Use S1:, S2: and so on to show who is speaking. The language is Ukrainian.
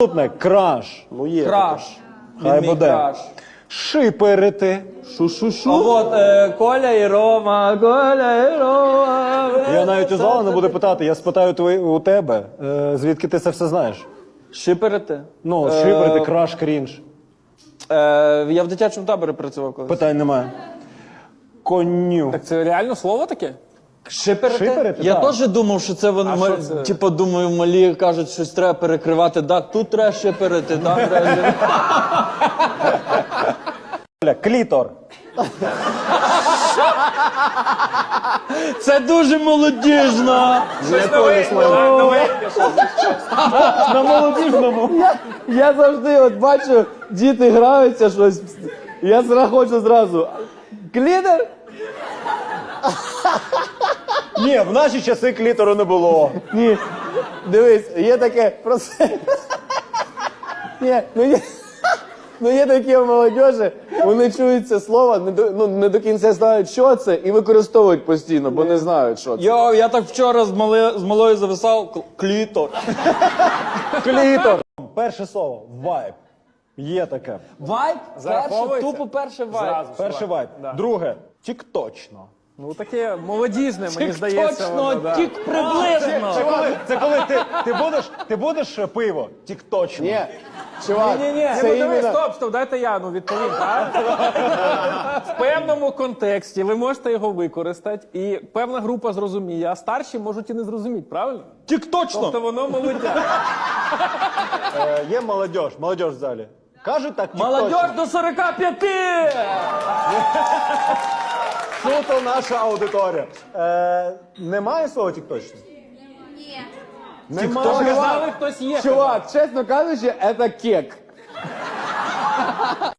S1: Наступне краш.
S2: Ну є.
S3: Краш.
S1: Хай
S3: Він мій
S1: буде.
S3: краш.
S1: Шиперити.
S2: Шу-шу-шу.
S3: А от Коля і Рома, Коля і Рома.
S1: Я навіть у зала не буду питати, я спитаю у тебе, звідки ти це все знаєш.
S3: Шиперити.
S1: Ну, шиперити, краш, крінж.
S3: Я в дитячому таборі працював колись.
S1: Питань немає. Коню.
S4: Так це реально слово таке?
S3: Шиперити?
S1: Шиперити,
S3: Я
S1: так.
S3: теж думав, що це вони,
S4: що це?
S3: типу, думаю, малі кажуть, щось треба перекривати. Да, тут треба шиперити, там треба.
S1: Клітор.
S3: Це дуже молодіжно.
S1: На молодіжному.
S2: Я завжди от бачу, діти граються щось. Я хочу зразу. Клітер?
S1: Ні, в наші часи клітору не було.
S2: Ні. Дивись, є таке просто. Ні, ну є такі у молодежі, вони чують це слово, не до кінця знають, що це, і використовують постійно, бо не знають, що це.
S3: Йо, я так вчора з малою зависав. Клітор.
S1: Клітор. Перше слово. Вайб. Є таке.
S3: Вайб? Перше,
S4: Зараховується?
S3: тупо перше вайб.
S4: Зразу.
S1: Перший вайб. Друге. Тік-точно.
S4: Ну таке молодіжне, мені здається.
S3: Точно,
S4: воно, да.
S3: тік приблизно.
S1: Це коли ти будеш пиво? Тік-точно.
S2: Ні, чувак,
S4: Ні,
S2: це
S4: ну диви,
S2: іменно...
S4: стоп, дайте я відповім, так? В певному контексті ви можете його використати, і певна група зрозуміє, а старші можуть і не зрозуміти, правильно?
S3: Тік точно.
S4: Тобто воно молодя.
S1: Є молодь в залі. Кажуть так,
S3: Молодь до 45!
S1: Суто наша аудиторія. Немає слова тік-точно?
S5: Ні.
S1: Немає.
S4: Сказали, хтось є.
S2: Чувак, чесно кажучи, це кек.